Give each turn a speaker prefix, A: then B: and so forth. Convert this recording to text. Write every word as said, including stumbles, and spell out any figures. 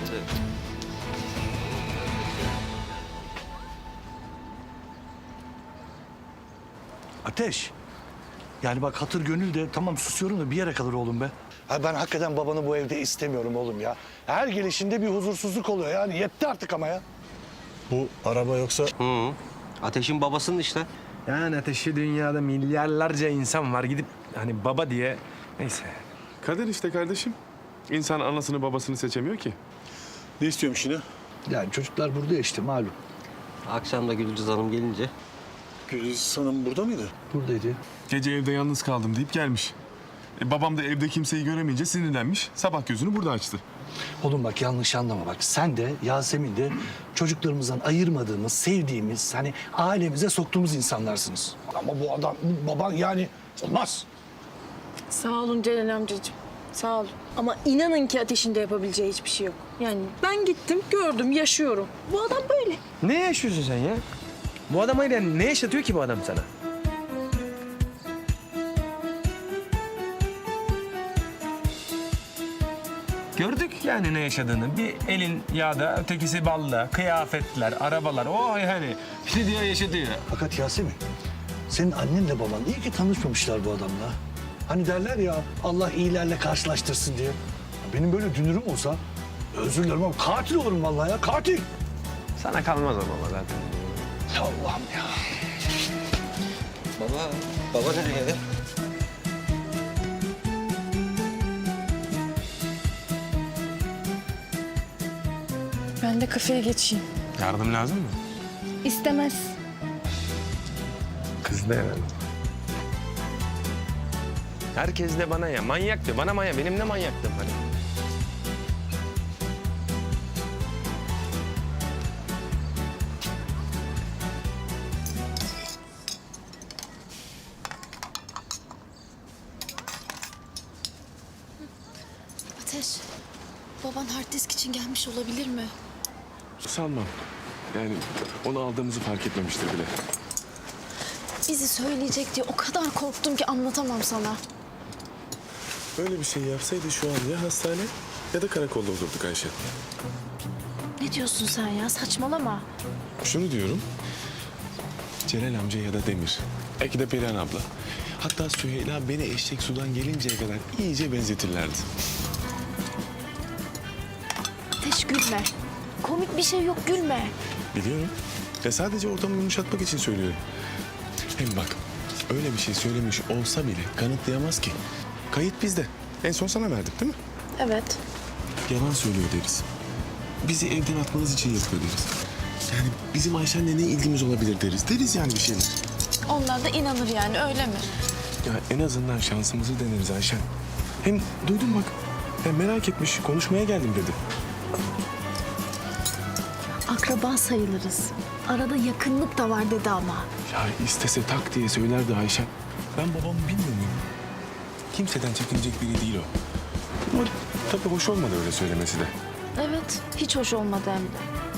A: Ateş. Yani bak hatır gönül de tamam susuyorum da bir yere kadar oğlum be. Ha ben hakikaten babanı bu evde istemiyorum oğlum ya. Her gelişinde bir huzursuzluk oluyor yani yetti artık ama ya.
B: Bu araba yoksa...
C: Hı. Ateş'in babasının işte.
D: Yani Ateş'i dünyada milyarlarca insan var gidip hani baba diye neyse.
E: Kader işte kardeşim. İnsan anasını babasını seçemiyor ki.
B: Ne istiyormuş yine?
A: Yani çocuklar burada ya işte malum.
C: Akşam da Gülcüz Hanım gelince.
B: Güliz Hanım burada mıydı?
A: Buradaydı.
E: Gece evde yalnız kaldım deyip gelmiş. E, babam da evde kimseyi göremeyince sinirlenmiş. Sabah gözünü burada açtı.
A: Oğlum bak yanlış anlama bak. Sen de Yasemin de çocuklarımızdan ayırmadığımız, sevdiğimiz, hani ailemize soktuğumuz insanlarsınız. Ama bu adam, bu baban yani olmaz.
F: Sağ olun Celal amcacığım. Sağ olun. Ama inanın ki Ateş'in de yapabileceği hiçbir şey yok. Yani ben gittim, gördüm, yaşıyorum. Bu adam böyle.
D: Ne yaşıyorsun sen ya? Bu adamıyla ne yaşatıyor ki bu adam sana? Gördük yani ne yaşadığını. Bir elin yağda, ötekisi balla, kıyafetler, arabalar. O yani gidiyor yaşatıyor.
A: Fakat Yasemin, senin annenle baban iyi ki tanışmamışlar bu adamla. Hani derler ya Allah iyilerle karşılaştırsın diye. Benim böyle dünürüm olsa özür dilerim ama katil olurum vallahi ya katil.
D: Sana kalmaz o baba zaten.
A: Ya Allah'ım ya.
C: Baba, baba nereye?
F: Ben de kafeye geçeyim.
D: Yardım lazım mı?
F: İstemez.
D: Kız da herhalde. Herkes de bana ya. Manyaktı. Bana manyak. Benim ne manyaktım hani.
G: Ateş, baban hard disk için gelmiş olabilir mi?
E: Sanmam. Yani onu aldığımızı fark etmemiştir bile.
G: Bizi söyleyecek diye o kadar korktum ki anlatamam sana.
E: Böyle bir şey yapsaydı şu an ya hastane ya da karakolda olurduk Ayşe.
G: Ne diyorsun sen ya? Saçmalama.
E: Şunu diyorum. Celal amca ya da Demir. Belki de Perihan abla. Hatta Süheyla beni eşek sudan gelinceye kadar iyice benzetirlerdi.
G: Ateş gülme. Komik bir şey yok gülme.
E: Biliyorum. Ya sadece ortamı yumuşatmak için söylüyorum. Hem bak öyle bir şey söylemiş olsa bile kanıtlayamaz ki. Kayıt bizde. En son sana verdik değil mi?
G: Evet.
E: Yalan söylüyor deriz. Bizi evden atmanız için yapıyor deriz. Yani bizim Ayşen'le ne ilgimiz olabilir deriz. Deriz yani bir şeyler.
G: Onlar da inanır yani öyle mi?
E: Ya en azından şansımızı deneriz Ayşen. Hem duydum bak. Ya merak etmiş, konuşmaya geldim dedi.
G: Akraba sayılırız. Arada yakınlık da var dedi ama.
E: Ya istese tak diye söylerdi Ayşen. Ben babamı bilmiyor muyum? Kimseden çekinecek biri değil o. Ama tabii hoş olmadı öyle söylemesi de.
G: Evet, hiç hoş olmadı hem de.